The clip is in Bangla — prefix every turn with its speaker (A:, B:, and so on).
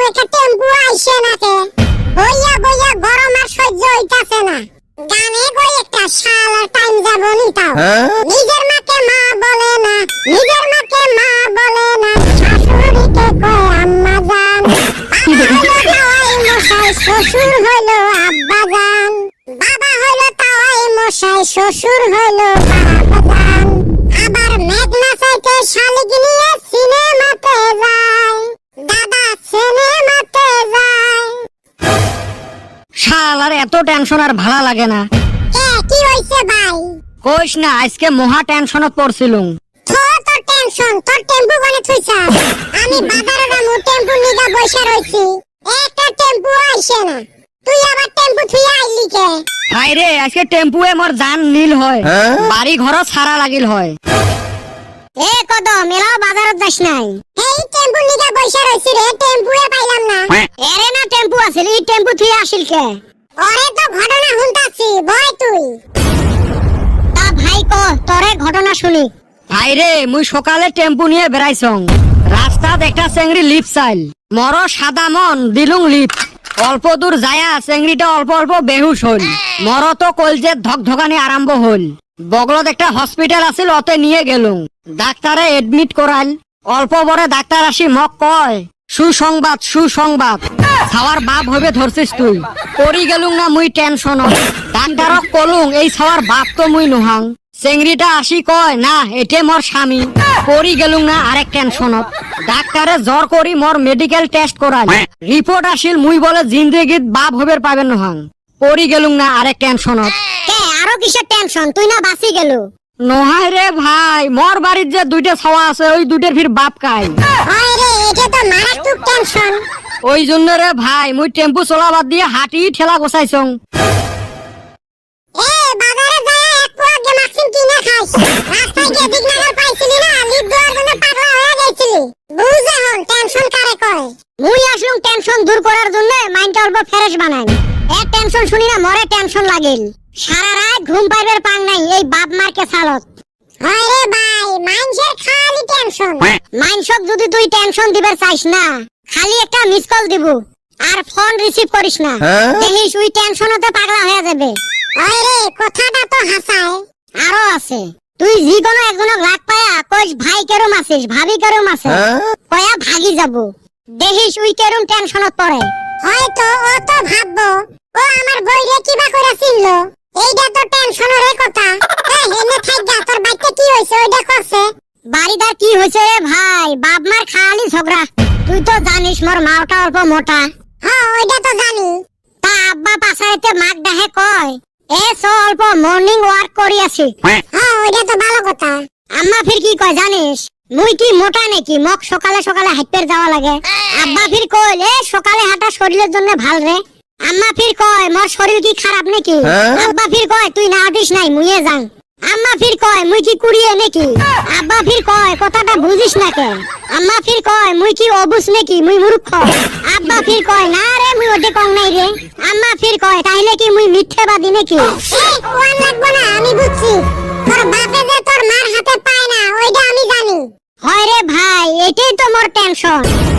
A: একটা টেম্পু আইছে নাকে বইয়া বইয়া গরম আর সহ্য হইতাছে না। গানে কই একটা শালার টাইম যাব নি তাও। নিজের মাকে মা বলে না, নিজের মাকে মা বলে না, শাশুড়িকে কয় আম্মা জান। মশাই শ্বশুর হইলো আব্বা জান, বাবা হইলো তাওয়াই মশাই, শ্বশুর হইলো বাবা জান। আবার মেঘনা চাইতে শালিক নিয়ে সিনেমাতে যায়, দাদা সিনেমাতে যায়।
B: শালার এত টেনশন আর ভালো লাগে না।
A: কি হইছে ভাই?
B: কইস না, আজকে মহা টেনশনত পড়ছিলুম।
A: তোর টেনশন, তোর টেম্পু কোনে থুইছা? আমি বাজারে যামু, টেম্পু নিগা বইসা রইছি, একটা টেম্পু আইছে না, তুই আবার টেম্পু থুইয়া আইলি কে?
B: ভাই রে, আজকে টেম্পুয়ে মোর জান নীল হয়, বাড়ি ঘর সারা লাগিল হয়।
A: এ কদম, মেলাও বাজারত যাস নাই? এই টেম্পু নিগা বইসা রইছি রে, টেম্পুয়ে পাইলাম না।
B: এরে না টেম্পু আছিল, এই টেম্পু থুইয়া আসিল কে?
A: ওরে তো ঘটনা শুনতাছি, বয় তুই।
B: তা ভাই ক, তোরে ঘটনা শুনি। ভাই রে, মুই সকালে টেম্পু নিয়ে বেড়াইছং, রাস্তাত একটা চেংড়ি লিপ চাইল, মর সাদা মন দিলুং লিপ। অল্প দূর যায়া চেংড়িটা অল্প অল্প বেহুশ হল, মর তো কলজের ধকধকানি আরম্ভ হল। বগলত একটা হসপিটাল আছিল, অতে নিয়ে গেলুম, ডাক্তারে এডমিট করাইল। অল্প বড় ডাক্তার আসি মক কয়, সুসংবাদ সুসংবাদ, ছাওয়ার বাপ হইবে ধরছিস তুই। পড়ি গেলুম না মুই টেনশনত, ডাক্তারক কলুং এই ছাওয়ার বাপ তো মুই নোহাং। চেংড়িটা আসি কয়, না এটে মোর স্বামী। পড়ি গেলুম না আরেক টেনশনত, ডাক্তারে জ্বর করি মোর মেডিকেল টেস্ট করাইল, রিপোর্ট আসিল মুই বলে জিন্দেগিত বাপ হইবে পাবেন নোহাং। পড়ি গেলুম না আরেক টেনশনত।
A: কে আরো কিসের টেনশন? তুই না বাঁচি গেল।
B: নহাই রে ভাই, মোর বাড়ির যে দুইটা ছাওয়া আছে, ওই দুইটার ফির বাপ কাই।
A: হয় রে, এটা তো মারাত্মক টেনশন।
B: ওই জন্য রে ভাই, মুই টেম্পু চলাবাদ দিয়ে হাঁটি ঠেলা গোছাইছং।
A: এ বাজারে যায় এক পোয়া গেমাক্সিন কিনে খাইস, রাস্তায় গিয়ে দিগনাগার পাইছিলি না, লিপ দেওয়ার জন্য পাগলা হয়ে গেছিলি। বুঝ এখন টেনশন কারে কয়।
B: মুই আসলুম টেনশন দূর করার জন্য, মাইন্ডটা অল্প ফ্রেশ বানাই। এক টেনশন শুনি না মরে টেনশন লাগিল, সারা রাত ঘুম পাইবার পাং নাই এই বাপ মারকে সালত।
A: হয় রে ভাই, মানুষের খালি টেনশন।
B: মাইনসক যদি তুই টেনশন দিবার চাইস না, খালি একটা মিস কল দিব, আর ফোন রিসিভ করিস না, দেখিস ওই টেনশনতে পাগলা হয়ে যাবে।
A: হয় রে, কথাটা তো হাসায়।
B: আরো আছে, তুই যে কোনো একজনক লাগ পায়া কইস ভাই কেরম আছিস, ভাবি কেরম আছে, কয়া ভাগি যাব, দেখিস ওই কেরম টেনশনত পড়ে।
A: হয়তো ও তো ভাববো, ও আমার বইরে কিবা করে চিনলো, এইটা তো টেনশনের কথা। এই হেনে থাইগা, তোর বাইতে কি হইছে ওইটা কইছে?
B: বাড়িদার কি হয়েছে রে ভাই, বাপ মার খালি ঝগড়া। তুই তো জানিস মোর মাওটা অল্প মোটা।
A: হ্যাঁ ওইটা তো জানি।
B: তা আব্বা পাশাইতে মাক ডাহে কয়, এ চ অল্প মর্নিং ওয়াক করি আসি।
A: হ্যাঁ ওইটা তো ভালো কথা।
B: আম্মা ফির কি কয় জানিস, মুই কি মোটা নাকি, মক সকালে সকালে হাঁটতে যাওয়া লাগে। আব্বা ফির কয়, এ সকালে হাঁটা শরীরের জন্য ভাল রে। আম্মা ফির কয়, মোর শরীর কি খারাপ নাকি? আব্বা ফির কয়, তুই না হাঁটিস নাই, মুইয়ে যাং। আম্মা ফির কয়, মুই কি কুড়িয়ে নাকি? আব্বা ফির কয়, কথাটা বুঝিস না কেন? আম্মা ফির কয়, মুই কি অবুঝ নাকি, মুই মূর্খ? আব্বা ফির কয়, না রে মুই ওটে কম নাই রে। আম্মা ফির কয়, তাইলে কি মুই মিথ্যেবাদী নাকি?
A: ওয়ান লাগবো না, আমি বুঝছি। তোর বাপে যে তোর মার হাতে পায় না, ওইটা আমি জানি।
B: হয় রে ভাই, এটাই তো মোর টেনশন।